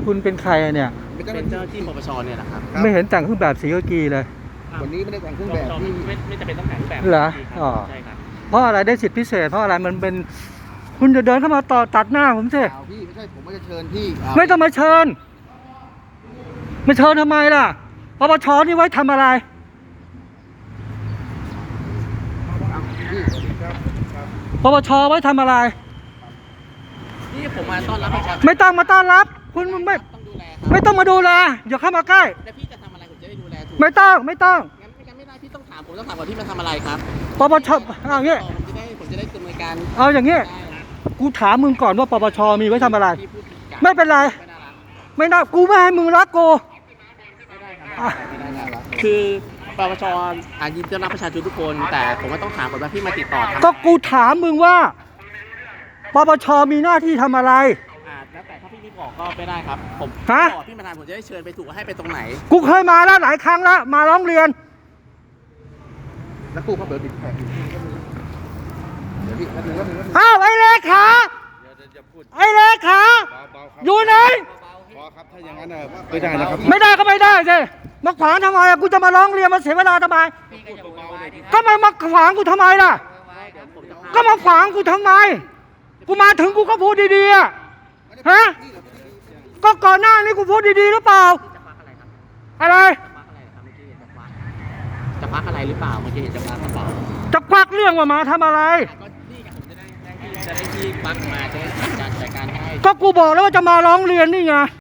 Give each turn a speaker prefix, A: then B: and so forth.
A: คุณเป็นใครเนี่ย
B: เป็นเจ้าหน้าที่ปปชเนี่ยแหละครับ
A: ไม่เห็นแต่งเครื่องแบบสีกากีเลย
B: วันนี้ไม่ได้แต่งเครื่องแบบที่ไม่จะเป็นต้องแต่งเครื่องแบบ
A: เหรออ๋อใช่ครับเพราะอะไรได้สิทธิพิเศษเพราะอะไรมันเป็นคุณจะเดินเข้ามาต่อตัดหน้าผมสิ
B: พี่ไม่ใช่ผมไม่จะเชิญพี่
A: ไม่ต้องมาเชิญไม่เชิญทำไมล่ะปปชนี่ไว้ทำอะไรปปชไว้ทำอะไร
B: นี่ผมมาต้อนรับประชาชน
A: ไม่ต้องมาต้อนรับคุณไม่ต้องมาดูแลอย่าเข้ามาใกล้
B: แล้วพี่จะทำอะไรผมจะได้ดูแลถูก
A: ไม่ต้อง
B: งั้นไม่ได้พี่ต้องถามผมต้องถามก่อนพี่มาทำอะไรครับ
A: ปปชเอาอย่างงี้
B: ผมจะได้ดำเนินการ
A: เอาอย่างงี้กูถามมึงก่อนว่าปปชมีไว้ทำอะไรไม่เป็นไรไม่ได้กูไม่ให้มึงรักกู
B: คือปปชยินดีต้อนรับประชาชนทุกคนแต่ผมก็ต้องถามก่อนว่าพี่มาติดต่อ
A: ก็กูถามมึงว่าปปชมีหน้าที่ทำอะไร
B: แล้วแต่ถ้าพี่ไม่บอกก็ไม่ได้ครับผมบอกพี่มาทานผมจะได้เชิญไปถูกให้ไปตรงไหน
A: กูเคยมาแล้วหลายครั้งแล้วมาร้องเรียน
B: แล้วกูเขาเบิร์ดติดแขก
A: อ้าวไอ้เลขาไอ้เลขาอยู่ไหน
B: ครับถ้าอย่างนั้นไม่ได้นะครับ
A: ไม่ได้ก็ไม่ได้สิมาขวางทำไมกูจะมาร้องเรียนมาเสียเวลาทำไมก็มาขวางกูทำไมล่ะก็มาขวางกูทำไมกูมาถึงกูก็พูดดีๆฮะก็ก่อนหน้านี้กูพูดดีๆหรือเปล่าอะไร
B: จะพักอะไรหรือเปล่าเมื่อกี้เห็นจะพักกระเป๋า
A: จะควักเรื่องว่ามาทำอะไร
B: ก็นี่กับผมจะได้ที่ควักมาจะได้จัดการให้
A: ก็กูบอกแล้วว่าจะมาร้องเรียนนี่ไง